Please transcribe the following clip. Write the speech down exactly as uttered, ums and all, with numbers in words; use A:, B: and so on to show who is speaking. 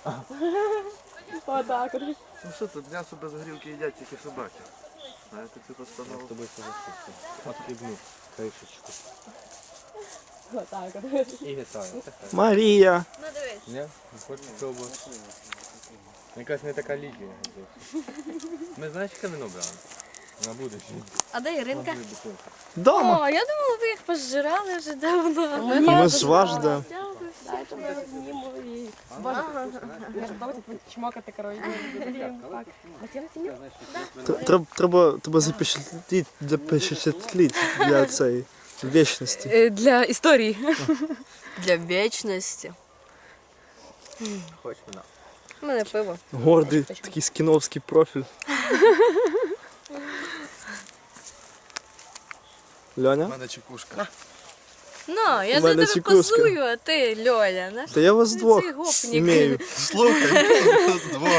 A: Отак от.
B: Ну що тут, м'ясо без горілки їдять тільки собаки. Знаєте цю постанову?
C: С тобой согласился. Отхлебну крышечку.
A: Отак от.
C: И вітаю.
D: Марія.
A: Ну дивись.
C: Не? Не хочеш пробувати? Мені кажется, не така Лідія. Ми знаєш, яке вино брали? На будущее.
A: А де Іринка?
D: Дома.
E: О, я думала, ви їх позжирали вже давно.
D: Ми з вас ждемо.
A: Дайте ми зніму і... Боже, я ж давайте чмокати, коротше.
D: Треба, треба, треба запечатліть для запечатліть для цієї вічності.
E: Для історії. Для вічності.
C: Хочеш вина?
E: У мене пиво.
D: Гордий такий скіновський профіль.
B: У
D: Льоня?
B: мене чекушка.
E: Ну, я
D: У
E: за
D: мене
E: тебе
D: чекуска.
E: позую, а ти, Льоля, наш
D: Та я вас
E: ти
D: двох
E: цей гопник.
D: імею.
B: Слухай, тут двох.